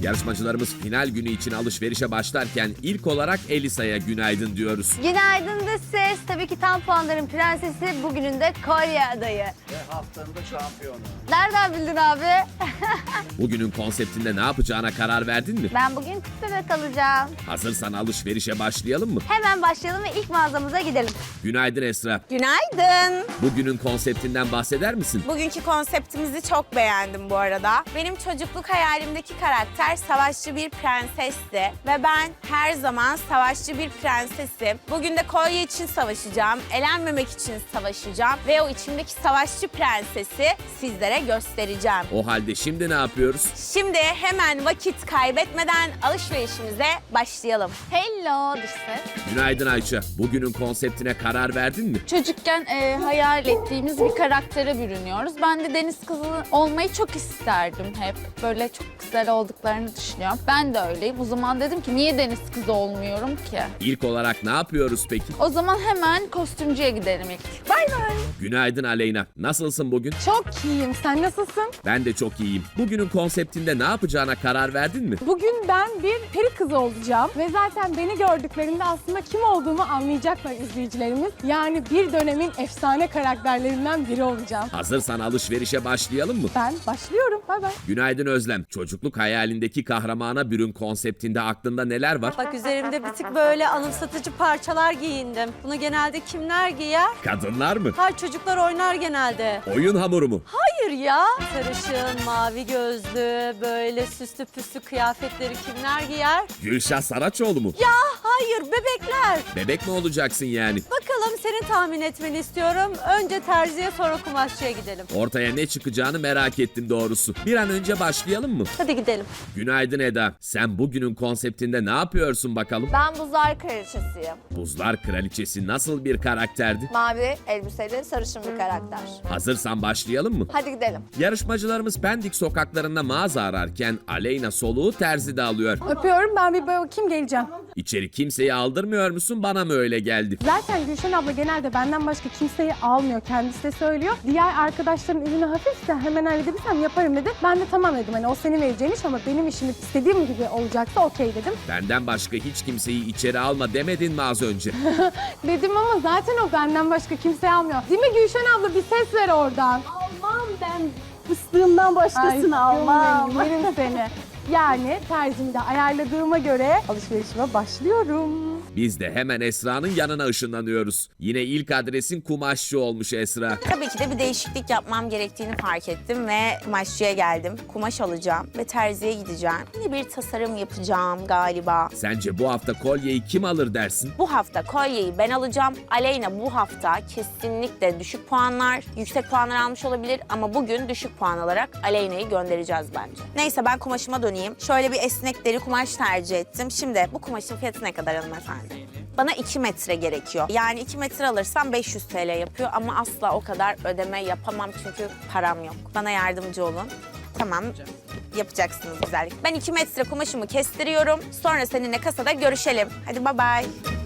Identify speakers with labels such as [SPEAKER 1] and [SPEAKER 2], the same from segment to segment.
[SPEAKER 1] Yarışmacılarımız final günü için alışverişe başlarken ilk olarak Elisa'ya günaydın diyoruz.
[SPEAKER 2] Günaydın da ses. Tabii ki tam puanların prensesi, bugünün de kolye adayı.
[SPEAKER 3] Ve haftanın da şampiyonu.
[SPEAKER 2] Nereden bildin abi?
[SPEAKER 1] Bugünün konseptinde ne yapacağına karar verdin mi?
[SPEAKER 2] Ben bugün tüp bebek alacağım.
[SPEAKER 1] Hazırsan alışverişe başlayalım mı?
[SPEAKER 2] Hemen başlayalım ve ilk mağazamıza gidelim.
[SPEAKER 1] Günaydın Esra.
[SPEAKER 4] Günaydın.
[SPEAKER 1] Bugünün konseptinden bahseder misin?
[SPEAKER 4] Bugünkü konseptimizi çok beğendim bu arada. Benim çocukluk hayalimdeki karakter savaşçı bir prensesti. Ve ben her zaman savaşçı bir prensesim. Bugün de kolye için savaşacağım, elenmemek için savaşacağım. Ve o içimdeki savaşçı prensesi sizlere göstereceğim.
[SPEAKER 1] O halde şimdi ne yapıyoruz?
[SPEAKER 4] Şimdi hemen vakit kaybetmeden alışverişimize başlayalım.
[SPEAKER 2] Hello dış ses.
[SPEAKER 1] Günaydın Ayça. Bugünün konseptine karar verdin mi?
[SPEAKER 5] Çocukken hayal ettiğimiz bir karaktere bürünüyoruz. Ben de deniz kızı olmayı çok isterdim hep. Böyle çok güzel olduklarını düşünüyorum. Ben de öyleyim. O zaman dedim ki niye deniz kızı olmuyorum ki?
[SPEAKER 1] İlk olarak ne yapıyoruz peki?
[SPEAKER 5] O zaman hemen kostümcüye gidelim ilk. Bay bay.
[SPEAKER 1] Günaydın Aleyna. Nasılsın bugün?
[SPEAKER 6] Çok iyiyim. Sen nasılsın?
[SPEAKER 1] Ben de çok iyiyim. Bugünün konseptinde ne yapacağına karar verdin mi?
[SPEAKER 6] Bugün ben bir peri kızı olacağım ve zaten beni gördüklerinde aslında kim olduğumu anlayacaklar izleyicilerimiz. Yani bir dönemin efsane karakterlerinden biri olacağım.
[SPEAKER 1] Hazırsan alışverişe başlayalım mı?
[SPEAKER 6] Ben başlıyorum. Bay bay.
[SPEAKER 1] Günaydın Özlem. Çocukluk hayalindeki kahramana bürün konseptinde aklında neler var?
[SPEAKER 7] Bak üzerimde bir tık böyle anımsatıcı parçalar giyindim. Bunu genelde kimler giyer?
[SPEAKER 1] Kadınlar mı?
[SPEAKER 7] Hayır, çocuklar oynar genelde.
[SPEAKER 1] Oyun hamuru mu?
[SPEAKER 7] Hayır ya. Sarışın, mavi gözlü, böyle süslü püslü kıyafetleri kimler giyer?
[SPEAKER 1] Gülşah Saraçoğlu mu?
[SPEAKER 7] Hayır, bebekler.
[SPEAKER 1] Bebek mi olacaksın yani?
[SPEAKER 7] Bakalım, senin tahmin etmeni istiyorum. Önce terziye, sonra kumaşçıya gidelim.
[SPEAKER 1] Ortaya ne çıkacağını merak ettim doğrusu. Bir an önce başlayalım mı?
[SPEAKER 7] Hadi gidelim.
[SPEAKER 1] Günaydın Eda. Sen bugünün konseptinde ne yapıyorsun bakalım?
[SPEAKER 2] Ben buzlar kraliçesiyim.
[SPEAKER 1] Buzlar Kraliçesi nasıl bir karakterdi?
[SPEAKER 2] Mavi elbiseli sarışın bir karakter.
[SPEAKER 1] Hazırsan başlayalım mı?
[SPEAKER 2] Hadi gidelim.
[SPEAKER 1] Yarışmacılarımız Pendik sokaklarında mağaza ararken Aleyna soluğu terzide alıyor.
[SPEAKER 6] Öpüyorum. Ben bir bakayım geleceğim.
[SPEAKER 1] İçeri kimseyi aldırmıyor musun? Bana mı öyle geldi?
[SPEAKER 6] Zaten Gülşen abla genelde benden başka kimseyi almıyor. Kendisi de söylüyor. Diğer arkadaşların ürünü hafifse hemen halledebilirsem yaparım dedi. Ben de tamam dedim. Hani o senin vereceğin iş ama benim işim istediğim gibi olacaksa okey dedim.
[SPEAKER 1] Benden başka hiç kimseyi içeri alma demedin mi az önce?
[SPEAKER 6] Dedim ama zaten o benden başka kimseyi almıyor. Değil mi Gülşen abla, bir ses ver oradan. Almam ben fıstığımdan başkasını almam. Yerim seni. Yani terzimi de ayarladığıma göre alışverişime başlıyorum.
[SPEAKER 1] Biz de hemen Esra'nın yanına ışınlanıyoruz. Yine ilk adresin kumaşçı olmuş Esra.
[SPEAKER 4] Tabii ki de bir değişiklik yapmam gerektiğini fark ettim ve kumaşçıya geldim. Kumaş alacağım ve terziye gideceğim. Yine bir tasarım yapacağım galiba.
[SPEAKER 1] Sence bu hafta kolyeyi kim alır dersin?
[SPEAKER 4] Bu hafta kolyeyi ben alacağım. Aleyna bu hafta kesinlikle düşük puanlar, yüksek puanlar almış olabilir ama bugün düşük puan alarak Aleyna'yı göndereceğiz bence. Neyse, ben kumaşıma döneyim. Şöyle bir esnek deri kumaş tercih ettim. Şimdi bu kumaşın fiyatı ne kadar hanımefendi? Bana 2 metre gerekiyor. Yani 2 metre alırsam 500 TL yapıyor ama asla o kadar ödeme yapamam çünkü param yok. Bana yardımcı olun. Tamam, yapacaksınız güzellik. Ben 2 metre kumaşımı kestiriyorum. Sonra seninle kasada görüşelim. Hadi bye bye.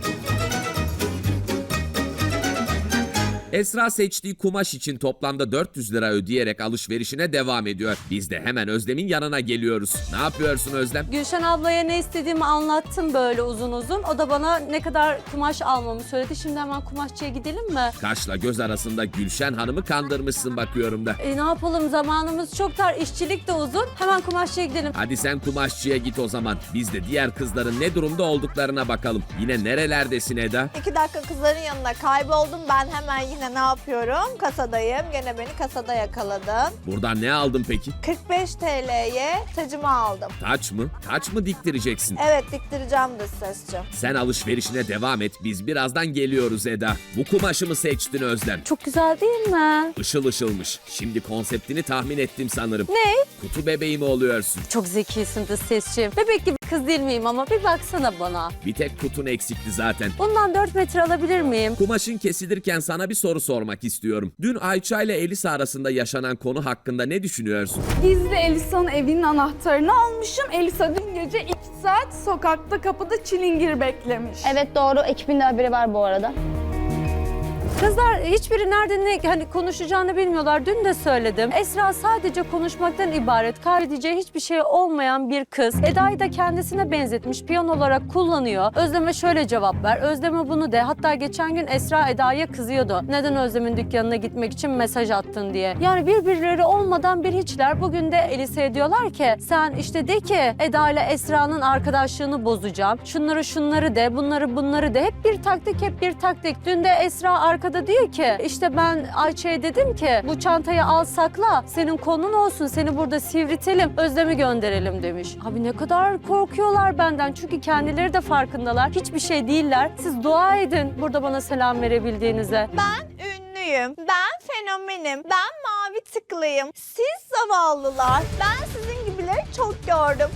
[SPEAKER 1] Esra seçtiği kumaş için toplamda 400 lira ödeyerek alışverişine devam ediyor. Biz de hemen Özlem'in yanına geliyoruz. Ne yapıyorsun Özlem?
[SPEAKER 7] Gülşen ablaya ne istediğimi anlattım böyle uzun uzun. O da bana ne kadar kumaş almamı söyledi. Şimdi hemen kumaşçıya gidelim mi?
[SPEAKER 1] Kaşla göz arasında Gülşen Hanım'ı kandırmışsın bakıyorum da.
[SPEAKER 7] Ne yapalım, zamanımız çok dar, işçilik de uzun. Hemen kumaşçıya gidelim.
[SPEAKER 1] Hadi sen kumaşçıya git o zaman. Biz de diğer kızların ne durumda olduklarına bakalım. Yine nerelerdesin Eda?
[SPEAKER 2] 2 dakika kızların yanına kayboldum. Ben hemen yine ne yapıyorum? Kasadayım. Gene beni kasada yakaladın.
[SPEAKER 1] Buradan ne aldın peki?
[SPEAKER 2] 45 TL'ye tacımı aldım.
[SPEAKER 1] Taç mı? Taç mı diktireceksin?
[SPEAKER 2] Evet, diktireceğim dış sesçi.
[SPEAKER 1] Sen alışverişine devam et. Biz birazdan geliyoruz Eda. Bu kumaşı mı seçtin Özlem?
[SPEAKER 7] Çok güzel değil mi?
[SPEAKER 1] Işıl ışılmış. Şimdi konseptini tahmin ettim sanırım.
[SPEAKER 7] Ne?
[SPEAKER 1] Kutu bebeği mi oluyorsun?
[SPEAKER 7] Çok zekisin de sesçi. Bebek gibi kız değil miyim ama bir baksana bana.
[SPEAKER 1] Bir tek kutun eksikti zaten.
[SPEAKER 7] Bundan 4 metre alabilir miyim?
[SPEAKER 1] Kumaşın kesilirken sana bir soru sormak istiyorum. Dün Ayça ile Elisa arasında yaşanan konu hakkında ne düşünüyorsun?
[SPEAKER 5] Gizli Elisa'nın evinin anahtarını almışım. Elisa dün gece 2 saat sokakta kapıda çilingir beklemiş.
[SPEAKER 2] Evet doğru. Ekibin de haberi var bu arada.
[SPEAKER 7] Kızlar hiçbiri nerede ne hani konuşacağını bilmiyorlar. Dün de söyledim. Esra sadece konuşmaktan ibaret. Kaybedeceği hiçbir şey olmayan bir kız. Eda'yı da kendisine benzetmiş. Piyon olarak kullanıyor. Özlem'e şöyle cevap ver. Özlem'e bunu de. Hatta geçen gün Esra Eda'ya kızıyordu. Neden Özlem'in dükkanına gitmek için mesaj attın diye. Yani birbirleri olmadan bir hiçler. Bugün de Elisa'ya diyorlar ki sen işte de ki Eda ile Esra'nın arkadaşlığını bozacağım. Şunları de, bunları de. Hep bir taktik, hep bir taktik. Dün de Esra arkada diyor ki işte ben Ayça'ya dedim ki bu çantayı al sakla. Senin konun olsun. Seni burada sivritelim. Özlem'i gönderelim demiş. Abi ne kadar korkuyorlar benden. Çünkü kendileri de farkındalar. Hiçbir şey değiller. Siz dua edin burada bana selam verebildiğinize.
[SPEAKER 2] Ben ünlüyüm, ben fenomenim, ben mavi tıklıyım. Siz zavallılar, ben sizin gibileri çok gördüm.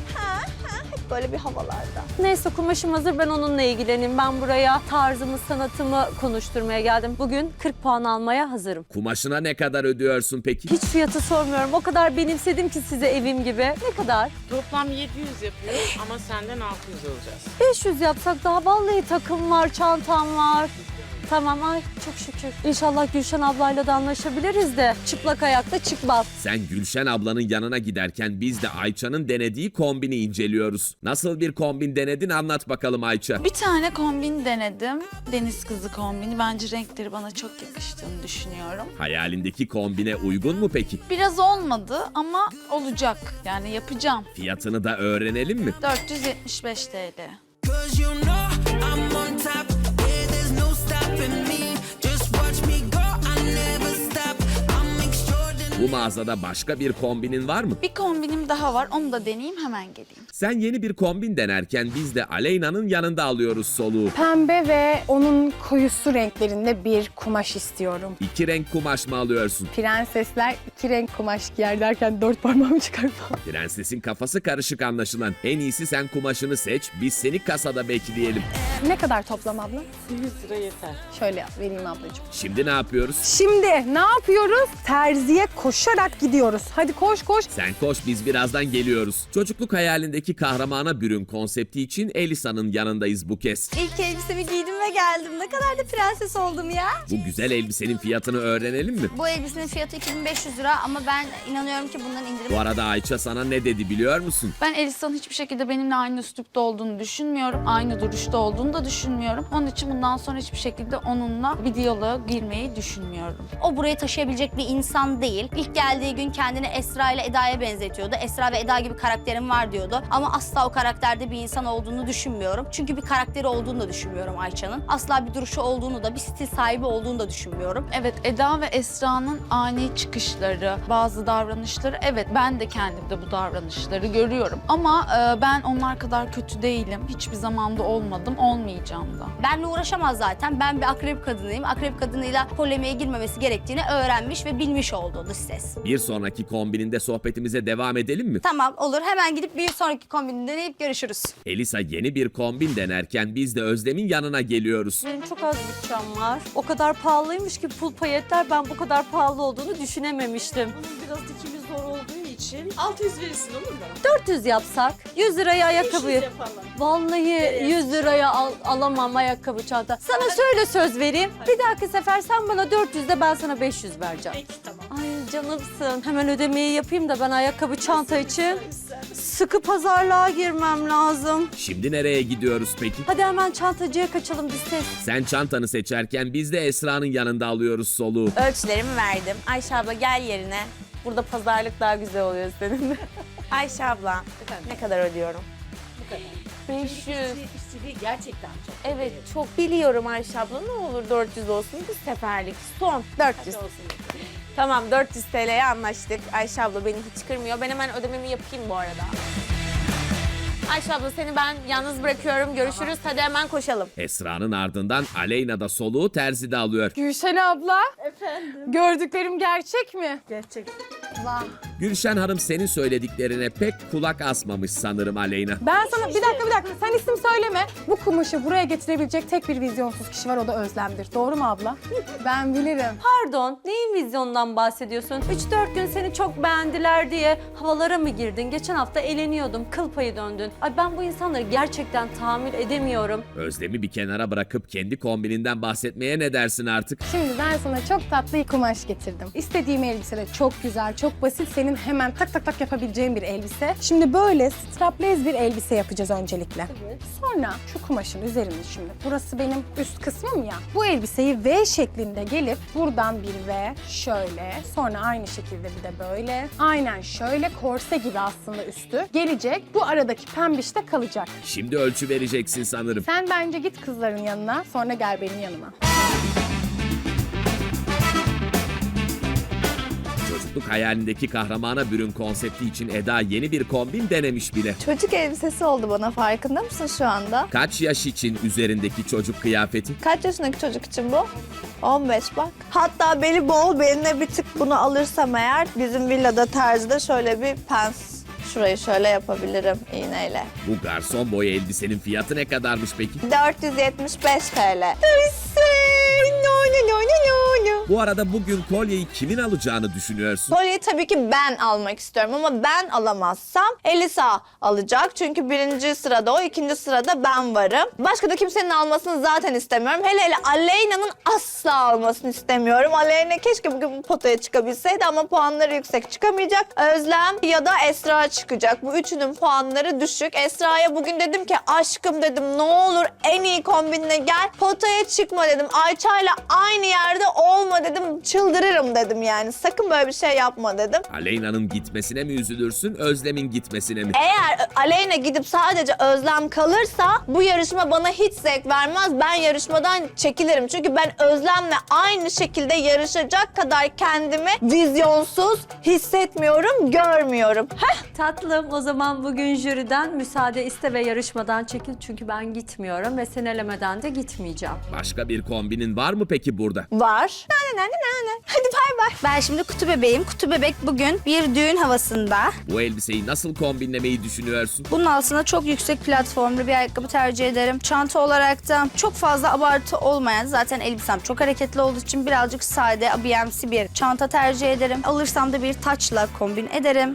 [SPEAKER 2] Hep böyle bir havalarda.
[SPEAKER 7] Neyse kumaşım hazır, ben onunla ilgileneyim. Ben buraya tarzımı, sanatımı konuşturmaya geldim. Bugün 40 puan almaya hazırım.
[SPEAKER 1] Kumaşına ne kadar ödüyorsun peki?
[SPEAKER 7] Hiç fiyatı sormuyorum. O kadar benimsedim ki size evim gibi. Ne kadar?
[SPEAKER 8] Toplam 700 yapıyoruz ama senden 600 alacağız.
[SPEAKER 7] 500 yapsak daha vallahi takım var, çantam var. Tamam ay çok şükür. İnşallah Gülşen ablayla da anlaşabiliriz de çıplak ayakta çıkmaz.
[SPEAKER 1] Sen Gülşen ablanın yanına giderken biz de Ayça'nın denediği kombini inceliyoruz. Nasıl bir kombin denedin anlat bakalım Ayça.
[SPEAKER 5] Bir tane kombin denedim. Deniz kızı kombini. Bence renkleri bana çok yakıştığını düşünüyorum.
[SPEAKER 1] Hayalindeki kombine uygun mu peki?
[SPEAKER 5] Biraz olmadı ama olacak. Yani yapacağım.
[SPEAKER 1] Fiyatını da öğrenelim mi?
[SPEAKER 5] 475 TL.
[SPEAKER 9] 'Cause you know I'm on top. Yeah, there's no stopping me. Just watch me go. I never stop. I'm extraordinary.
[SPEAKER 1] Bu mağazada başka bir kombinin var mı?
[SPEAKER 5] Bir kombinim daha var. Onu da deneyeyim, hemen geleyim.
[SPEAKER 1] Sen yeni bir kombin denerken biz de Aleyna'nın yanında alıyoruz soluğu.
[SPEAKER 6] Pembe ve onun koyusu renklerinde bir kumaş istiyorum.
[SPEAKER 1] 2 renk kumaş mı alıyorsun?
[SPEAKER 6] Prensesler 2 renk kumaş giyer derken 4 parmağımı çıkardım.
[SPEAKER 1] Prensesin kafası karışık anlaşılan. En iyisi sen kumaşını seç, biz seni kasada bekleyelim.
[SPEAKER 6] Ne kadar toplam abla?
[SPEAKER 8] 100 lira yeter.
[SPEAKER 6] Şöyle vereyim ablacığım.
[SPEAKER 1] Şimdi ne yapıyoruz?
[SPEAKER 6] Şimdi ne yapıyoruz? Terziye koşarak gidiyoruz. Hadi koş koş.
[SPEAKER 1] Sen koş, biz birazdan geliyoruz. Çocukluk hayalindeki kahramana bürün konsepti için Elisa'nın yanındayız bu kez.
[SPEAKER 2] İlk elbisemi giydim ve geldim. Ne kadar da prenses oldum ya.
[SPEAKER 1] Bu güzel elbisenin fiyatını öğrenelim mi?
[SPEAKER 10] Bu elbisenin fiyatı 2500 lira ama ben inanıyorum ki bundan indirim.
[SPEAKER 1] Bu arada Ayça sana ne dedi biliyor musun?
[SPEAKER 5] Ben Elisa'nın hiçbir şekilde benimle aynı üslupta olduğunu düşünmüyorum. Aynı duruşta olduğunu da düşünmüyorum. Onun için bundan sonra hiçbir şekilde onunla bir diyaloğa girmeyi düşünmüyorum.
[SPEAKER 10] O burayı taşıyabilecek bir insan değil. İlk geldiği gün kendini Esra ile Eda'ya benzetiyordu. Esra ve Eda gibi karakterim var diyordu. Ama asla o karakterde bir insan olduğunu düşünmüyorum. Çünkü bir karakteri olduğunu da düşünmüyorum Ayça'nın. Asla bir duruşu olduğunu da, bir stil sahibi olduğunu da düşünmüyorum.
[SPEAKER 5] Evet, Eda ve Esra'nın ani çıkışları, bazı davranışları, evet ben de kendimde bu davranışları görüyorum. Ama ben onlar kadar kötü değilim. Hiçbir zamanda olmadım, olmayacağım da.
[SPEAKER 10] Benle uğraşamaz zaten. Ben bir akrep kadınıyım. Akrep kadınıyla polemiğe girmemesi gerektiğini öğrenmiş ve bilmiş oldu dış ses.
[SPEAKER 1] Bir sonraki kombininde sohbetimize devam edelim mi?
[SPEAKER 10] Tamam olur. Hemen gidip bir sonraki kombini deneyip görüşürüz.
[SPEAKER 1] Elisa yeni bir kombin denerken biz de Özlem'in yanına geliyoruz.
[SPEAKER 7] Benim çok az bütçem var. O kadar pahalıymış ki pul payetler, ben bu kadar pahalı olduğunu düşünememiştim.
[SPEAKER 8] Bunun biraz dikimi zor olduğu için 600 verirsin olur mu?
[SPEAKER 7] 400 yapsak 100 liraya ayakkabı.
[SPEAKER 8] yapalım.
[SPEAKER 7] Vallahi 100 liraya alamam ayakkabı çanta. Sana şöyle söz vereyim. Bir dahaki sefer sen bana 400 de ben sana 500 vereceğim.
[SPEAKER 8] Peki tamam.
[SPEAKER 7] Ay canımsın. Hemen ödemeyi yapayım da ben ayakkabı çanta için sıkı pazarlığa girmem lazım.
[SPEAKER 1] Şimdi nereye gidiyoruz peki?
[SPEAKER 7] Hadi hemen çantacıya kaçalım biz ses.
[SPEAKER 1] Sen çantanı seçerken biz de Esra'nın yanında alıyoruz soluğu.
[SPEAKER 4] Ölçülerimi verdim. Ayşe abla gel yerine. Burada pazarlık daha güzel oluyor seninle. Ayşe abla ne kadar ödüyorum?
[SPEAKER 8] Bu kadar.
[SPEAKER 4] 500.
[SPEAKER 8] İstediği gerçekten çok.
[SPEAKER 4] Evet çok biliyorum Ayşe abla, ne olur 400 olsun bir seferlik. Son 400.
[SPEAKER 8] olsun.
[SPEAKER 4] Tamam 400 TL'ye anlaştık. Ayşe abla beni hiç kırmıyor. Ben hemen ödememi yapayım bu arada. Ayşe abla seni ben yalnız bırakıyorum. Görüşürüz. Hadi hemen koşalım.
[SPEAKER 1] Esra'nın ardından Aleyna da soluğu terzide alıyor.
[SPEAKER 6] Gülşen abla.
[SPEAKER 8] Efendim.
[SPEAKER 6] Gördüklerim gerçek mi?
[SPEAKER 8] Gerçek.
[SPEAKER 6] Vah.
[SPEAKER 1] Gülşen Hanım senin söylediklerine pek kulak asmamış sanırım Aleyna.
[SPEAKER 6] Ben sana bir dakika sen isim söyleme. Bu kumaşı buraya getirebilecek tek bir vizyonsuz kişi var, o da Özlem'dir. Doğru mu abla? Ben bilirim.
[SPEAKER 7] Pardon, neyin vizyondan bahsediyorsun? 3-4 gün seni çok beğendiler diye havalara mı girdin? Geçen hafta eğleniyordum, kıl payı döndün. Ay ben bu insanları gerçekten tahammül edemiyorum.
[SPEAKER 1] Özlem'i bir kenara bırakıp kendi kombininden bahsetmeye ne dersin artık?
[SPEAKER 6] Şimdi ben sana çok tatlı bir kumaş getirdim. İstediğim elbise de çok güzel, çok basit. Senin hemen tak tak tak yapabileceğin bir elbise. Şimdi böyle strapless bir elbise yapacağız öncelikle. Evet. Sonra şu kumaşın üzerine şimdi. Burası benim üst kısmım ya. Bu elbiseyi V şeklinde gelip buradan bir V şöyle. Sonra aynı şekilde bir de böyle. Aynen şöyle korse gibi aslında üstü. Gelecek. Bu aradaki pembiş de kalacak.
[SPEAKER 1] Şimdi ölçü vereceksin sanırım.
[SPEAKER 6] Sen bence git kızların yanına, sonra gel benim yanıma.
[SPEAKER 1] Çocukluk hayalindeki kahramana bürün konsepti için Eda yeni bir kombin denemiş bile.
[SPEAKER 2] Çocuk elbisesi oldu bana, farkında mısın şu anda?
[SPEAKER 1] Kaç yaş için üzerindeki çocuk kıyafeti?
[SPEAKER 2] Kaç yaşındaki çocuk için bu? 15 bak. Hatta beli bol, beline bir tık bunu alırsam eğer bizim villada terzide şöyle bir pens. Şurayı şöyle yapabilirim iğneyle.
[SPEAKER 1] Bu garson boy elbisenin fiyatı ne kadarmış peki?
[SPEAKER 2] 475 TL.
[SPEAKER 1] Bu arada bugün kolyeyi kimin alacağını düşünüyorsun?
[SPEAKER 2] Kolyeyi tabii ki ben almak istiyorum ama ben alamazsam Elisa alacak. Çünkü birinci sırada o, ikinci sırada ben varım. Başka da kimsenin almasını zaten istemiyorum. Hele hele Aleyna'nın asla almasını istemiyorum. Aleyna keşke bugün bu potaya çıkabilseydi ama puanları yüksek çıkamayacak. Özlem ya da Esra çıkacak. Bu üçünün puanları düşük. Esra'ya bugün dedim ki aşkım dedim, ne olur en iyi kombinle gel. Potaya çıkma dedim. Ayça'yla aynı yerde olma dedim. Çıldırırım dedim yani. Sakın böyle bir şey yapma dedim.
[SPEAKER 1] Aleyna'nın gitmesine mi üzülürsün, Özlem'in gitmesine mi?
[SPEAKER 2] Eğer Aleyna gidip sadece Özlem kalırsa bu yarışma bana hiç zevk vermez. Ben yarışmadan çekilirim. Çünkü ben Özlem'le aynı şekilde yarışacak kadar kendimi vizyonsuz hissetmiyorum, görmüyorum.
[SPEAKER 7] Tatlım, o zaman bugün jüriden müsaade iste ve yarışmadan çekil. Çünkü ben gitmiyorum ve sen elemeden de gitmeyeceğim.
[SPEAKER 1] Başka bir kombinin var mı peki burada?
[SPEAKER 2] Var. Nane. Hadi bay bay.
[SPEAKER 10] Ben şimdi kutu bebeğim. Kutu bebek bugün bir düğün havasında.
[SPEAKER 1] Bu elbiseyi nasıl kombinlemeyi düşünüyorsun?
[SPEAKER 10] Bunun altına çok yüksek platformlu bir ayakkabı tercih ederim. Çanta olarak da çok fazla abartı olmayan, zaten elbisem çok hareketli olduğu için birazcık sade, abiyemsi bir çanta tercih ederim. Alırsam da bir taçla kombin ederim.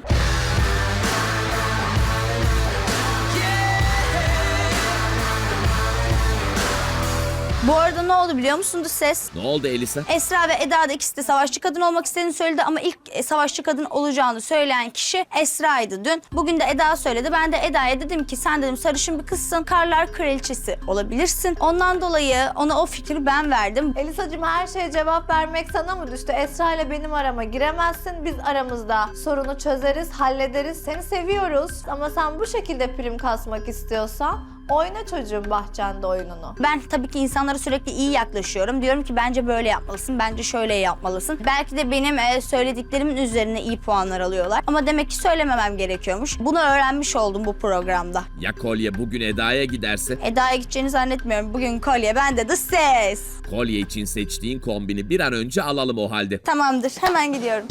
[SPEAKER 10] Bu arada ne oldu biliyor musunuz ses?
[SPEAKER 1] Ne oldu Elisa?
[SPEAKER 10] Esra ve Eda da ikisi de savaşçı kadın olmak istediğini söyledi ama ilk savaşçı kadın olacağını söyleyen kişi Esra'ydı dün. Bugün de Eda söyledi. Ben de Eda'ya dedim ki sen dedim sarışın bir kızsın, karlar kraliçesi olabilirsin. Ondan dolayı ona o fikri ben verdim.
[SPEAKER 2] Elisacığım, her şeye cevap vermek sana mı düştü? Esra ile benim arama giremezsin. Biz aramızda sorunu çözeriz, hallederiz. Seni seviyoruz. Ama sen bu şekilde prim kasmak istiyorsan oyna çocuğum bahçende oyununu.
[SPEAKER 10] Ben tabii ki insanlara sürekli iyi yaklaşıyorum. Diyorum ki bence böyle yapmalısın, bence şöyle yapmalısın. Belki de benim söylediklerimin üzerine iyi puanlar alıyorlar. Ama demek ki söylememem gerekiyormuş. Bunu öğrenmiş oldum bu programda.
[SPEAKER 1] Ya kolye bugün Eda'ya giderse?
[SPEAKER 10] Eda'ya gideceğini zannetmiyorum. Bugün kolye bende de ses.
[SPEAKER 1] Kolye için seçtiğin kombini bir an önce alalım o halde.
[SPEAKER 10] Tamamdır, hemen gidiyorum.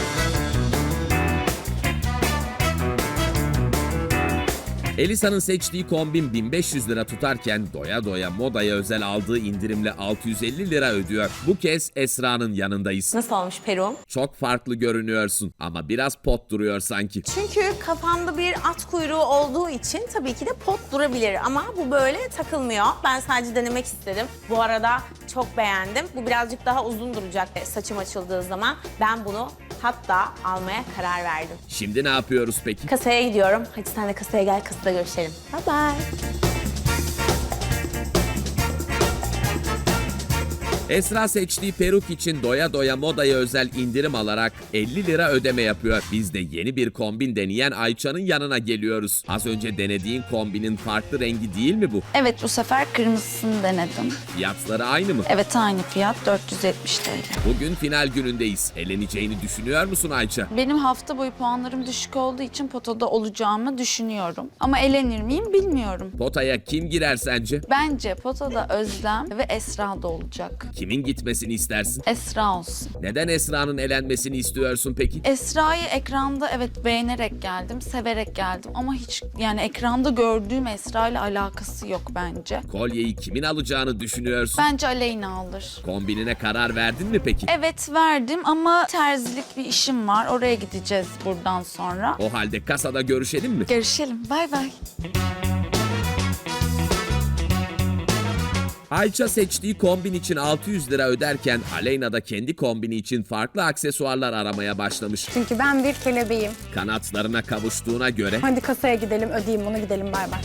[SPEAKER 1] Elisa'nın seçtiği kombin 1500 lira tutarken doya doya modaya özel aldığı indirimle 650 lira ödüyor. Bu kez Esra'nın yanındayız.
[SPEAKER 4] Nasıl olmuş peruğum?
[SPEAKER 1] Çok farklı görünüyorsun ama biraz pot duruyor sanki.
[SPEAKER 4] Çünkü kafamda bir at kuyruğu olduğu için tabii ki de pot durabilir ama bu böyle takılmıyor. Ben sadece denemek istedim. Bu arada çok beğendim. Bu birazcık daha uzun duracak saçım açıldığı zaman. Ben bunu hatta almaya karar verdim.
[SPEAKER 1] Şimdi ne yapıyoruz peki?
[SPEAKER 4] Kasaya gidiyorum. Hadi sen de kasaya gel, kasada görüşelim.
[SPEAKER 2] Bye bye.
[SPEAKER 1] Esra seçtiği peruk için doya doya modaya özel indirim alarak 50 lira ödeme yapıyor. Biz de yeni bir kombin deneyen Ayça'nın yanına geliyoruz. Az önce denediğin kombinin farklı rengi değil mi bu?
[SPEAKER 11] Evet, bu sefer kırmızısını denedim.
[SPEAKER 1] Fiyatları aynı mı?
[SPEAKER 11] Evet, aynı fiyat 470 TL.
[SPEAKER 1] Bugün final günündeyiz. Eleneceğini düşünüyor musun Ayça?
[SPEAKER 5] Benim hafta boyu puanlarım düşük olduğu için potada olacağımı düşünüyorum. Ama elenir miyim bilmiyorum.
[SPEAKER 1] Potaya kim girer sence?
[SPEAKER 5] Bence potada Özlem ve Esra da olacak.
[SPEAKER 1] Kimin gitmesini istersin?
[SPEAKER 11] Esra olsun.
[SPEAKER 1] Neden Esra'nın elenmesini istiyorsun peki?
[SPEAKER 11] Esra'yı ekranda evet beğenerek geldim, severek geldim ama hiç yani ekranda gördüğüm Esra ile alakası yok bence.
[SPEAKER 1] Kolyeyi kimin alacağını düşünüyorsun?
[SPEAKER 11] Bence Aleyna alır.
[SPEAKER 1] Kombinine karar verdin mi peki?
[SPEAKER 11] Evet verdim ama terzilik bir işim var. Oraya gideceğiz buradan sonra.
[SPEAKER 1] O halde kasada görüşelim mi?
[SPEAKER 11] Görüşelim. Bay bay.
[SPEAKER 1] Ayça seçtiği kombin için 600 lira öderken Aleyna da kendi kombini için farklı aksesuarlar aramaya başlamış.
[SPEAKER 6] Çünkü ben bir kelebeğim.
[SPEAKER 1] Kanatlarına kavuştuğuna göre
[SPEAKER 6] Hadi kasaya gidelim, ödeyeyim bunu, gidelim, bay bay.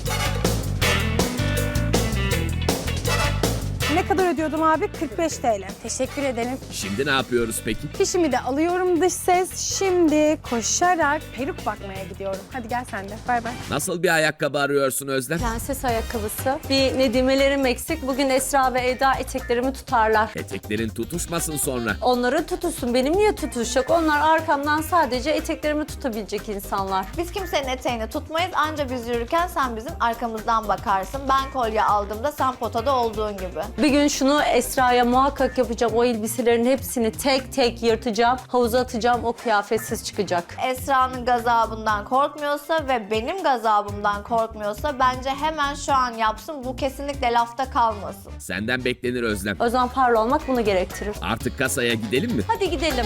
[SPEAKER 6] Ne kadar ödüyordum abi? 45 TL. Teşekkür ederim.
[SPEAKER 1] şimdi ne yapıyoruz peki?
[SPEAKER 6] Fişimi de alıyorum dış ses. Şimdi koşarak peruk bakmaya gidiyorum. Hadi gel sen de. Bay bay.
[SPEAKER 1] Nasıl bir ayakkabı arıyorsun Özlem?
[SPEAKER 7] Prenses ayakkabısı. Bir Nedimelerim eksik. Bugün Esra ve Eda eteklerimi tutarlar.
[SPEAKER 1] Eteklerin tutuşmasın sonra.
[SPEAKER 7] Onların tutuşsun. Benim niye tutuşacak? Onlar arkamdan sadece eteklerimi tutabilecek insanlar.
[SPEAKER 2] Biz kimsenin eteğini tutmayız. Anca biz yürürken sen bizim arkamızdan bakarsın. Ben kolye aldığımda sen potada olduğun gibi.
[SPEAKER 7] Bir gün şunu Esra'ya muhakkak yapacağım. O elbiselerin hepsini tek tek yırtacağım. Havuza atacağım. O kıyafetsiz çıkacak.
[SPEAKER 2] Esra'nın gazabından korkmuyorsa ve benim gazabımdan korkmuyorsa bence hemen şu an yapsın. Bu kesinlikle lafta kalmasın.
[SPEAKER 1] Senden beklenir Özlem.
[SPEAKER 7] O zaman parlı olmak bunu gerektirir.
[SPEAKER 1] Artık kasaya gidelim mi?
[SPEAKER 7] Hadi gidelim.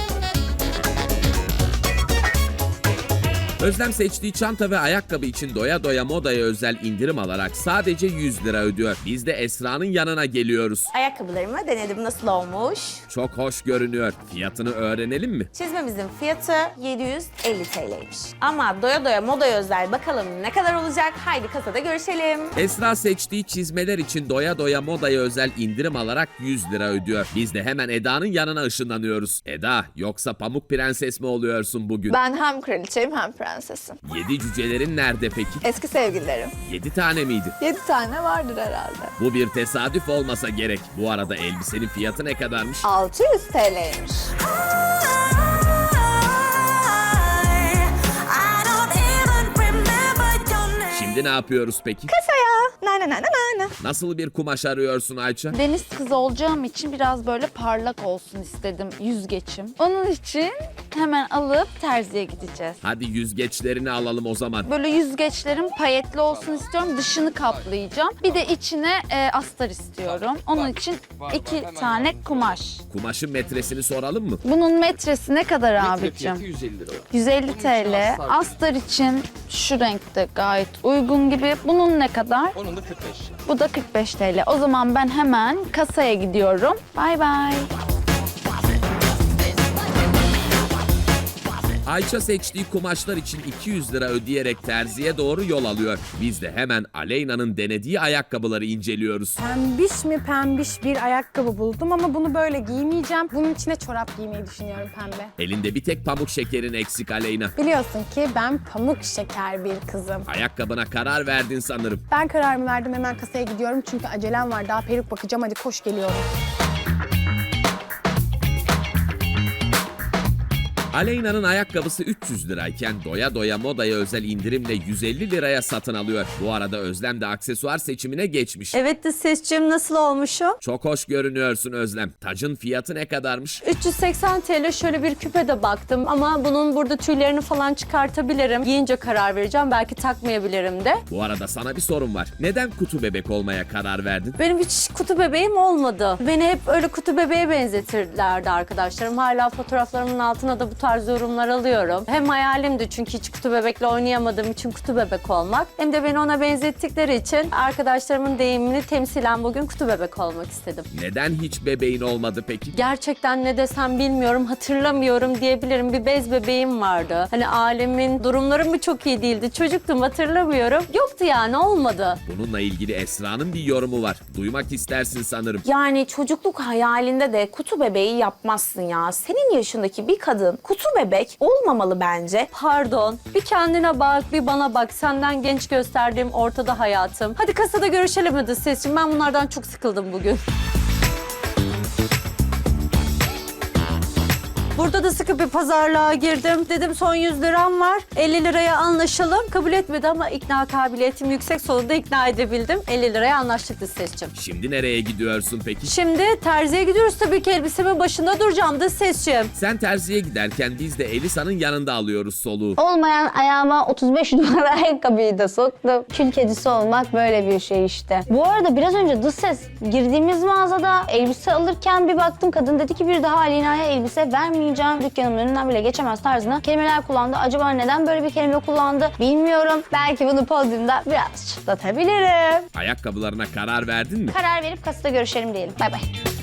[SPEAKER 1] Özlem seçtiği çanta ve ayakkabı için doya doya modaya özel indirim alarak sadece 100 lira ödüyor. Biz de Esra'nın yanına geliyoruz.
[SPEAKER 4] Ayakkabılarımı denedim, nasıl olmuş?
[SPEAKER 1] Çok hoş görünüyor. Fiyatını öğrenelim mi?
[SPEAKER 4] Çizmemizin fiyatı 750 TL'ymiş. Ama doya doya modaya özel bakalım ne kadar olacak? Haydi kasada görüşelim.
[SPEAKER 1] Esra seçtiği çizmeler için doya doya modaya özel indirim alarak 100 lira ödüyor. Biz de hemen Eda'nın yanına ışınlanıyoruz. Eda, yoksa Pamuk Prenses mi oluyorsun bugün?
[SPEAKER 2] Ben hem kraliçeyim hem prensesim.
[SPEAKER 1] 7 cücelerin nerede peki?
[SPEAKER 2] Eski sevgililerim.
[SPEAKER 1] 7 tane miydi?
[SPEAKER 2] 7 tane vardır herhalde.
[SPEAKER 1] Bu bir tesadüf olmasa gerek. Bu arada elbisenin fiyatı ne kadarmış?
[SPEAKER 2] 600 TL'ymiş.
[SPEAKER 1] Şimdi ne yapıyoruz peki?
[SPEAKER 2] Kasaya. Na na na na na.
[SPEAKER 1] Nasıl bir kumaş arıyorsun Ayça?
[SPEAKER 5] Deniz kızı olacağım için biraz böyle parlak olsun istedim yüzgeçim. Onun için hemen alıp terziye gideceğiz.
[SPEAKER 1] Hadi yüzgeçlerini alalım o zaman.
[SPEAKER 5] Böyle yüzgeçlerim payetli olsun istiyorum. Dışını kaplayacağım. Bir de içine astar istiyorum. Onun için 2 tane kumaş.
[SPEAKER 1] Kumaşın metresini soralım mı?
[SPEAKER 5] Bunun metresi ne kadar abicim?
[SPEAKER 8] 150 lira.
[SPEAKER 5] 150 TL. Astar için şu renkte gayet uygun gibi. Bunun ne kadar?
[SPEAKER 8] Onun da 45.
[SPEAKER 5] Bu da 45 TL. O zaman ben hemen kasaya gidiyorum. Bay bay.
[SPEAKER 1] Ayça seçtiği kumaşlar için 200 lira ödeyerek terziye doğru yol alıyor. Biz de hemen Aleyna'nın denediği ayakkabıları inceliyoruz.
[SPEAKER 6] Pembiş mi pembiş bir ayakkabı buldum ama bunu böyle giymeyeceğim. Bunun içine çorap giymeyi düşünüyorum pembe.
[SPEAKER 1] Elinde bir tek pamuk şekerin eksik Aleyna.
[SPEAKER 6] Biliyorsun ki ben pamuk şeker bir kızım.
[SPEAKER 1] Ayakkabına karar verdin sanırım.
[SPEAKER 6] Ben kararımı verdim, hemen kasaya gidiyorum çünkü acelem var. Daha peruk bakacağım, hadi koş geliyorum.
[SPEAKER 1] Aleyna'nın ayakkabısı 300 lirayken doya doya modaya özel indirimle 150 liraya satın alıyor. Bu arada Özlem de aksesuar seçimine geçmiş.
[SPEAKER 7] Evet de sesciğim, nasıl olmuşum?
[SPEAKER 1] Çok hoş görünüyorsun Özlem. Tacın fiyatı ne kadarmış?
[SPEAKER 7] 380 TL, şöyle bir küpe de baktım ama bunun burada tüylerini falan çıkartabilirim. Giyince karar vereceğim, belki takmayabilirim de.
[SPEAKER 1] Bu arada sana bir sorum var. Neden kutu bebek olmaya karar verdin?
[SPEAKER 7] Benim hiç kutu bebeğim olmadı. Beni hep öyle kutu bebeğe benzetirlerdi arkadaşlarım. Hala fotoğraflarımın altına da bu tarz yorumlar alıyorum. Hem hayalimdi çünkü hiç kutu bebekle oynayamadığım için kutu bebek olmak. Hem de beni ona benzettikleri için arkadaşlarımın deyimini temsilen bugün kutu bebek olmak istedim.
[SPEAKER 1] Neden hiç bebeğin olmadı peki?
[SPEAKER 7] Gerçekten ne desem bilmiyorum, hatırlamıyorum diyebilirim. Bir bez bebeğim vardı. Hani ailemin durumları mı çok iyi değildi? Çocuktum, hatırlamıyorum. Yoktu yani, olmadı.
[SPEAKER 1] Bununla ilgili Esra'nın bir yorumu var. Duymak istersin sanırım.
[SPEAKER 4] Yani çocukluk hayalinde de kutu bebeği yapmazsın ya. Senin yaşındaki bir kadın kutu bebek olmamalı bence.
[SPEAKER 7] Pardon. Bir kendine bak, bir bana bak. Senden genç gösterdiğim ortada hayatım. Hadi kasada görüşelim hadi Sesciğim. Ben bunlardan çok sıkıldım bugün. Burada da sıkı bir pazarlığa girdim. Dedim son 100 liram var. 50 liraya anlaşalım. Kabul etmedi ama ikna kabiliyetim yüksek. Sonunda ikna edebildim. 50 liraya anlaştık dış sesçim.
[SPEAKER 1] Şimdi nereye gidiyorsun peki?
[SPEAKER 7] Şimdi terziye gidiyoruz tabii ki, elbisemin başında duracağım dış sesçim.
[SPEAKER 1] Sen terziye giderken biz de Elisa'nın yanında alıyoruz soluğu.
[SPEAKER 10] Olmayan ayağıma 35 numara ayakkabıyı da soktum. Kül kedisi olmak böyle bir şey işte. Bu arada biraz önce dış ses girdiğimiz mağazada elbise alırken bir baktım, kadın dedi ki bir daha Aleyna'ya elbise vermeyeceğim. Dükkanımın önünden bile geçemez tarzına kelimeler kullandı. Acaba neden böyle bir kelime kullandı bilmiyorum. Belki bunu podyumda biraz çıtlatabilirim.
[SPEAKER 1] Ayakkabılarına karar verdin mi?
[SPEAKER 10] Karar verip kasada görüşelim diyelim. Bay bay.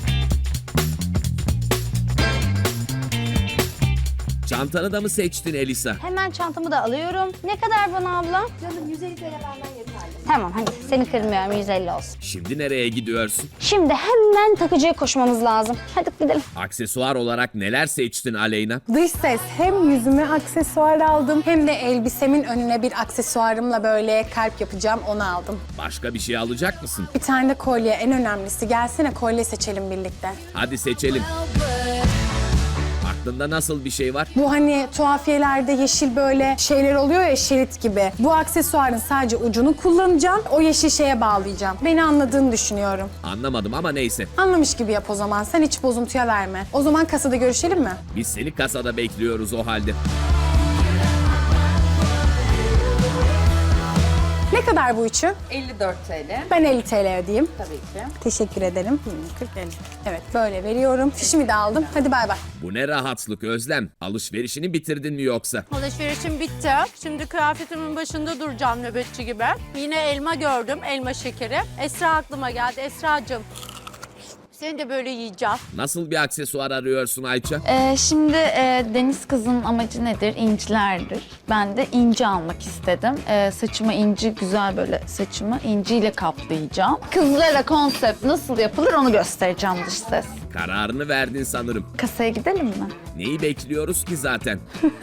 [SPEAKER 1] Çantanı da mı seçtin Elisa?
[SPEAKER 10] Hemen çantamı da alıyorum. Ne kadar bana abla? Canım 150 TL benden yeterli. Tamam hadi seni kırmıyorum, 150 olsun.
[SPEAKER 1] Şimdi nereye gidiyorsun?
[SPEAKER 10] Şimdi hemen takıcıya koşmamız lazım. Hadi gidelim.
[SPEAKER 1] Aksesuar olarak neler seçtin Aleyna?
[SPEAKER 6] Dış ses, hem yüzüme aksesuar aldım hem de elbisemin önüne bir aksesuarımla böyle kalp yapacağım, onu aldım.
[SPEAKER 1] Başka bir şey alacak mısın?
[SPEAKER 6] Bir tane de kolye, en önemlisi. Gelsene kolye seçelim birlikte.
[SPEAKER 1] Hadi seçelim. Aklında nasıl bir şey var?
[SPEAKER 6] Bu hani tuhafiyelerde yeşil böyle şeyler oluyor ya, şerit gibi. Bu aksesuarın sadece ucunu kullanacağım. O yeşil şeye bağlayacağım. Beni anladığını düşünüyorum.
[SPEAKER 1] Anlamadım ama neyse.
[SPEAKER 6] Anlamış gibi yap o zaman. Sen hiç bozuntuya verme. O zaman kasada görüşelim mi?
[SPEAKER 1] Biz seni kasada bekliyoruz o halde.
[SPEAKER 6] Ne kadar bu üçü?
[SPEAKER 5] 54 TL.
[SPEAKER 6] Ben 50 TL ödeyeyim.
[SPEAKER 5] Tabii ki.
[SPEAKER 6] Teşekkür ederim. 40, 50. Evet böyle veriyorum. Fişimi de aldım. Hadi bay bay.
[SPEAKER 1] Bu ne rahatlık Özlem? Alışverişini bitirdin mi yoksa?
[SPEAKER 7] Alışverişim bitti. Şimdi kıyafetimin başında duracağım nöbetçi gibi. Yine elma gördüm, elma şekeri. Esra aklıma geldi. Esracığım, seni de böyle yiyeceğim.
[SPEAKER 1] Nasıl bir aksesuar arıyorsun Ayça?
[SPEAKER 11] Şimdi deniz kızının amacı nedir? İncilerdir. Ben de inci almak istedim. Saçıma inci, güzel böyle saçımı inciyle kaplayacağım. Kızlara konsept nasıl yapılır onu göstereceğim dış ses.
[SPEAKER 1] Kararını verdin sanırım.
[SPEAKER 11] Kasaya gidelim mi?
[SPEAKER 1] Neyi bekliyoruz ki zaten?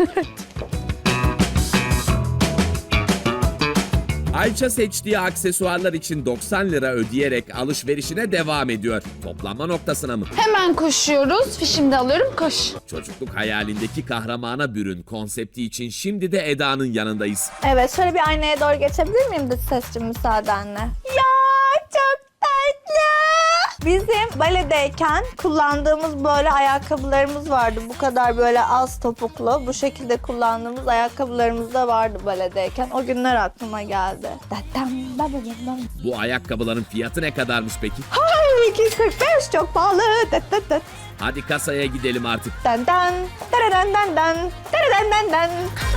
[SPEAKER 1] Ayça seçtiği aksesuarlar için 90 lira ödeyerek alışverişine devam ediyor. Toplanma noktasına mı?
[SPEAKER 11] Hemen koşuyoruz. Fişimi de alıyorum. Koş.
[SPEAKER 1] Çocukluk hayalindeki kahramana bürün konsepti için şimdi de Eda'nın yanındayız.
[SPEAKER 2] Evet, şöyle bir aynaya doğru geçebilir miyim dış sesçim müsaadenle? Ya çok tatlı. Bizim baledeyken kullandığımız böyle ayakkabılarımız vardı. Bu kadar böyle az topuklu. Bu şekilde kullandığımız ayakkabılarımız da vardı baledeyken. O günler aklıma geldi.
[SPEAKER 1] Bu ayakkabıların fiyatı ne kadarmış peki?
[SPEAKER 2] Ay, 245 çok pahalı.
[SPEAKER 1] Hadi kasaya gidelim artık.
[SPEAKER 2] Dan dan, daradan dan dan, daradan dan dan.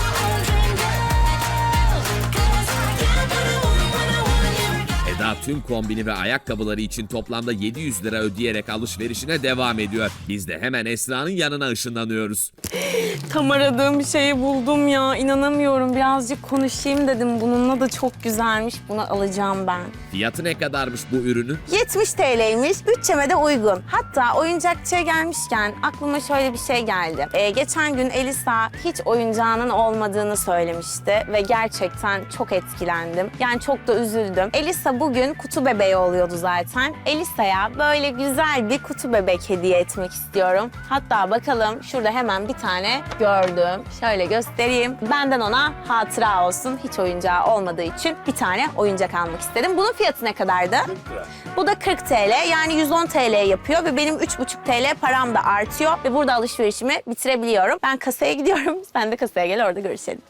[SPEAKER 1] Eda tüm kombini ve ayakkabıları için toplamda 700 lira ödeyerek alışverişine devam ediyor. Biz de hemen Esra'nın yanına ışınlanıyoruz.
[SPEAKER 4] Tam aradığım bir şeyi buldum ya. İnanamıyorum. Birazcık konuşayım dedim. Bununla da çok güzelmiş. Bunu alacağım ben.
[SPEAKER 1] Fiyatı ne kadarmış bu ürünün?
[SPEAKER 4] 70 TL'ymiş. Bütçeme de uygun. Hatta oyuncakçıya gelmişken aklıma şöyle bir şey geldi. Geçen gün Elisa hiç oyuncağının olmadığını söylemişti ve gerçekten çok etkilendim. Yani çok da üzüldüm. Elisa bugün kutu bebeği oluyordu zaten. Elisa'ya böyle güzel bir kutu bebek hediye etmek istiyorum. Hatta bakalım şurada hemen bir tane gördüm. Şöyle göstereyim. Benden ona hatıra olsun. Hiç oyuncağı olmadığı için bir tane oyuncak almak istedim. Bunun fiyatı ne kadardı? 40 lira. Bu da 40 TL. Yani 110 TL yapıyor ve benim 3,5 TL param da artıyor ve burada alışverişimi bitirebiliyorum. Ben kasaya gidiyorum. Sen de kasaya gel, orada görüşelim.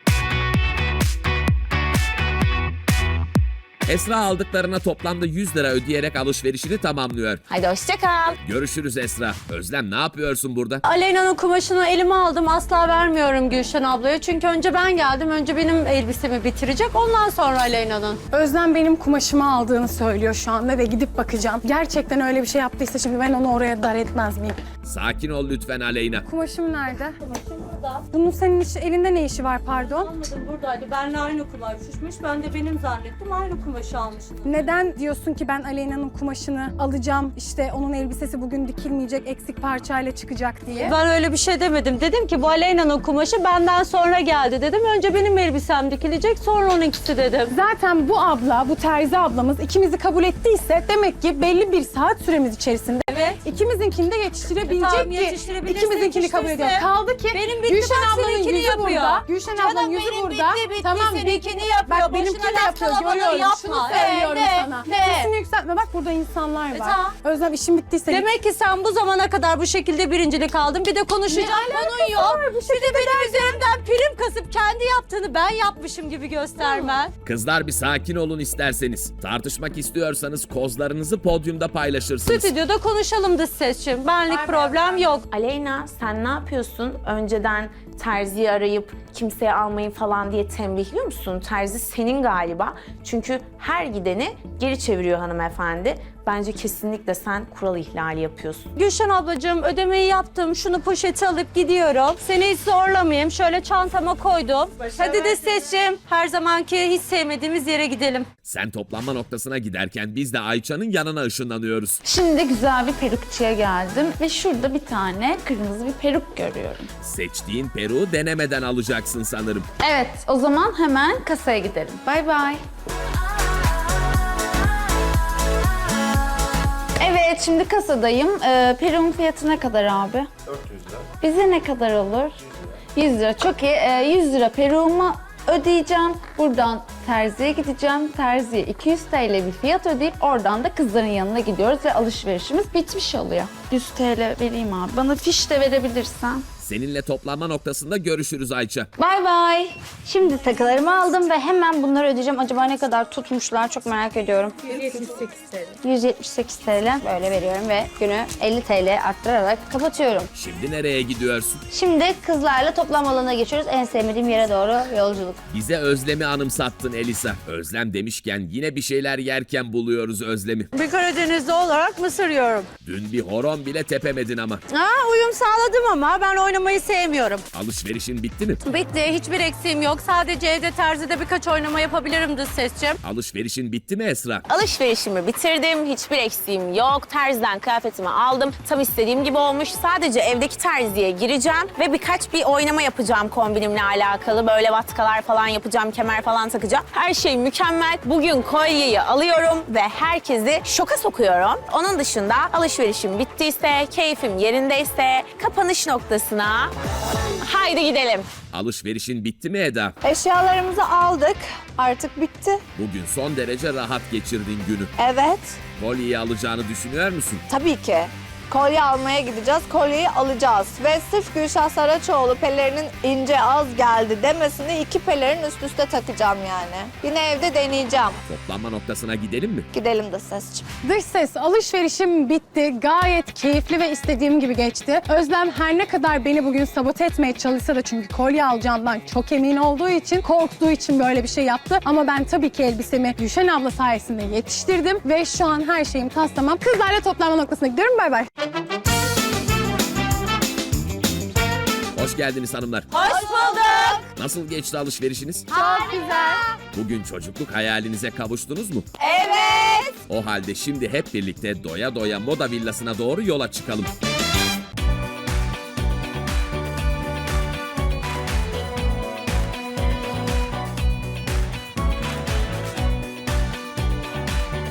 [SPEAKER 1] Esra aldıklarına toplamda 100 lira ödeyerek alışverişini tamamlıyor.
[SPEAKER 4] Haydi hoşça kal.
[SPEAKER 1] Görüşürüz Esra. Özlem ne yapıyorsun burada?
[SPEAKER 7] Aleyna'nın kumaşını elime aldım. Asla vermiyorum Gülşen ablaya. Çünkü önce ben geldim. Önce benim elbisemi bitirecek. Ondan sonra Aleyna'nın.
[SPEAKER 6] Özlem benim kumaşımı aldığını söylüyor şu anda ve gidip bakacağım. Gerçekten öyle bir şey yaptıysa şimdi ben onu oraya dar etmez miyim?
[SPEAKER 1] Sakin ol lütfen Aleyna.
[SPEAKER 6] Kumaşım nerede? Bunun senin elinde ne işi var pardon?
[SPEAKER 7] Anladım, buradaydı. Benle aynı kumaş düşmüş. Ben de benim zannettim. Aynı kumaşı almıştım.
[SPEAKER 6] Neden diyorsun ki ben Aleyna'nın kumaşını alacağım, işte onun elbisesi bugün dikilmeyecek, eksik parçayla çıkacak diye?
[SPEAKER 7] Ben öyle bir şey demedim. Dedim ki bu Aleyna'nın kumaşı benden sonra geldi dedim. Önce benim elbisem dikilecek, sonra onunkisi dedim.
[SPEAKER 6] Zaten bu abla, bu terzi ablamız ikimizi kabul ettiyse demek ki belli bir saat süremiz içerisinde
[SPEAKER 7] Evet.
[SPEAKER 6] İkimizinkini de yetiştirebilecek
[SPEAKER 7] Tamam,
[SPEAKER 6] ki
[SPEAKER 7] yetiştirebilirse
[SPEAKER 6] ikimizinkini kabul
[SPEAKER 7] yetiştirse.
[SPEAKER 6] ediyor. Kaldı ki
[SPEAKER 7] Benim bitti,
[SPEAKER 6] Gülşen
[SPEAKER 7] bak
[SPEAKER 6] ablanın
[SPEAKER 7] seninkini
[SPEAKER 6] yüzü
[SPEAKER 7] yapıyor.
[SPEAKER 6] burada. Gülşen ablanın yüzü
[SPEAKER 7] benim
[SPEAKER 6] burada.
[SPEAKER 7] bitti,
[SPEAKER 6] Tamam
[SPEAKER 7] seninkini
[SPEAKER 6] bir-
[SPEAKER 7] yapıyor.
[SPEAKER 6] Bak
[SPEAKER 7] Boşuna
[SPEAKER 6] benimkini de
[SPEAKER 7] laf
[SPEAKER 6] yapıyor.
[SPEAKER 7] kalabalığı
[SPEAKER 6] Görüyorum.
[SPEAKER 7] yapma.
[SPEAKER 6] Şunu söylüyorum
[SPEAKER 7] Ne?
[SPEAKER 6] sana.
[SPEAKER 7] Ne?
[SPEAKER 6] Sesini yükseltme. Bak burada insanlar var.
[SPEAKER 7] tamam.
[SPEAKER 6] Özlem işin bittiyse
[SPEAKER 7] Demek ki sen bu zamana kadar bu şekilde birincilik aldın. Bir de konuşacak konun yok. Bir de benim üzerimden prim kasıp kendi yaptığını ben yapmışım gibi göstermen.
[SPEAKER 1] Kızlar bir sakin olun isterseniz. Tartışmak istiyorsanız kozlarınızı podyumda paylaşırsınız.
[SPEAKER 7] Stüdyoda konuşalım dış sesçim. Benlik problem yok.
[SPEAKER 4] Aleyna sen ne yapıyorsun? Önceden terziyi arayıp kimseye almayın falan diye tembihliyor musun? Terzi senin galiba. Çünkü her gideni geri çeviriyor hanımefendi. Bence kesinlikle sen kural ihlali yapıyorsun.
[SPEAKER 7] Gülşen ablacığım ödemeyi yaptım. Şunu poşete alıp gidiyorum. Seni hiç zorlamayayım. Şöyle çantama koydum. Hadi de sesçim. Her zamanki hiç sevmediğimiz yere gidelim.
[SPEAKER 1] Sen toplanma noktasına giderken biz de Ayça'nın yanına ışınlanıyoruz.
[SPEAKER 11] Şimdi güzel bir perukçuya geldim ve şurada bir tane kırmızı bir peruk görüyorum.
[SPEAKER 1] Seçtiğin peruğu denemeden alacaksın sanırım.
[SPEAKER 11] Evet, o zaman hemen kasaya gidelim. Bay bay. Evet, şimdi kasadayım. Peruğun fiyatı ne kadar abi?
[SPEAKER 3] 400 lira.
[SPEAKER 11] Bize ne kadar olur? 100 lira. Çok iyi. 100 lira peruğumu ödeyeceğim. Buradan terziye gideceğim. Terziye 200 TL bir fiyat ödeyip oradan da kızların yanına gidiyoruz ve alışverişimiz bitmiş oluyor. 100 TL vereyim abi. Bana fiş de verebilirsen.
[SPEAKER 1] Seninle toplanma noktasında görüşürüz Ayça.
[SPEAKER 11] Bay bay.
[SPEAKER 10] Şimdi takılarımı aldım ve hemen bunları ödeyeceğim. Acaba ne kadar tutmuşlar çok merak ediyorum. 178 TL böyle veriyorum ve günü 50 TL arttırarak kapatıyorum.
[SPEAKER 1] Şimdi nereye gidiyorsun?
[SPEAKER 10] Şimdi kızlarla toplam alanına geçiyoruz. En sevmediğim yere doğru yolculuk.
[SPEAKER 1] Bize Özlem'i anımsattın Elisa. Özlem demişken yine bir şeyler yerken buluyoruz Özlem'i.
[SPEAKER 7] Bir Karadenizli olarak mısır yiyorum.
[SPEAKER 1] Dün bir horon bile tepemedin ama.
[SPEAKER 7] Uyum sağladım ama ben oynamayı sevmiyorum.
[SPEAKER 1] Alışverişin bitti mi?
[SPEAKER 7] Bitti. Hiçbir eksiğim yok. Sadece evde terzide birkaç oynama yapabilirim dış sesçim.
[SPEAKER 1] Alışverişin bitti mi Esra?
[SPEAKER 4] Alışverişimi bitirdim. Hiçbir eksiğim yok. Terziden kıyafetimi aldım. Tam istediğim gibi olmuş. Sadece evdeki terziye gireceğim ve birkaç bir oynama yapacağım kombinimle alakalı. Böyle vatkalar falan yapacağım, kemer falan takacağım. Her şey mükemmel. Bugün kolyeyi alıyorum ve herkesi şoka sokuyorum. Onun dışında alışverişim bittiyse, keyfim yerindeyse kapanış noktasına haydi gidelim.
[SPEAKER 1] Alışverişin bitti mi Eda?
[SPEAKER 2] Eşyalarımızı aldık. Artık bitti.
[SPEAKER 1] Bugün son derece rahat geçirdin günü.
[SPEAKER 2] Evet.
[SPEAKER 1] Kolyeyi alacağını düşünüyor musun?
[SPEAKER 2] Tabii ki. Kolye almaya gideceğiz, kolyeyi alacağız. Ve sırf Gülşah Saraçoğlu pelerinin ince az geldi demesini 2 pelerin üst üste takacağım yani. Yine evde deneyeceğim.
[SPEAKER 1] Toplanma noktasına gidelim mi?
[SPEAKER 2] Gidelim de sesçim.
[SPEAKER 6] dış ses alışverişim bitti. Gayet keyifli ve istediğim gibi geçti. Özlem her ne kadar beni bugün sabote etmeye çalışsa da çünkü kolye alacağından çok emin olduğu için, korktuğu için böyle bir şey yaptı. Ama ben tabii ki elbisemi Gülşen abla sayesinde yetiştirdim ve şu an her şeyim tas tamam. Kızlarla toplanma noktasına gidiyorum. Bay bay.
[SPEAKER 1] Hoş geldiniz hanımlar.
[SPEAKER 7] Hoş bulduk.
[SPEAKER 1] Nasıl geçti alışverişiniz?
[SPEAKER 6] Çok güzel.
[SPEAKER 1] Bugün çocukluk hayalinize kavuştunuz mu?
[SPEAKER 2] Evet.
[SPEAKER 1] O halde şimdi hep birlikte doya doya moda villasına doğru yola çıkalım.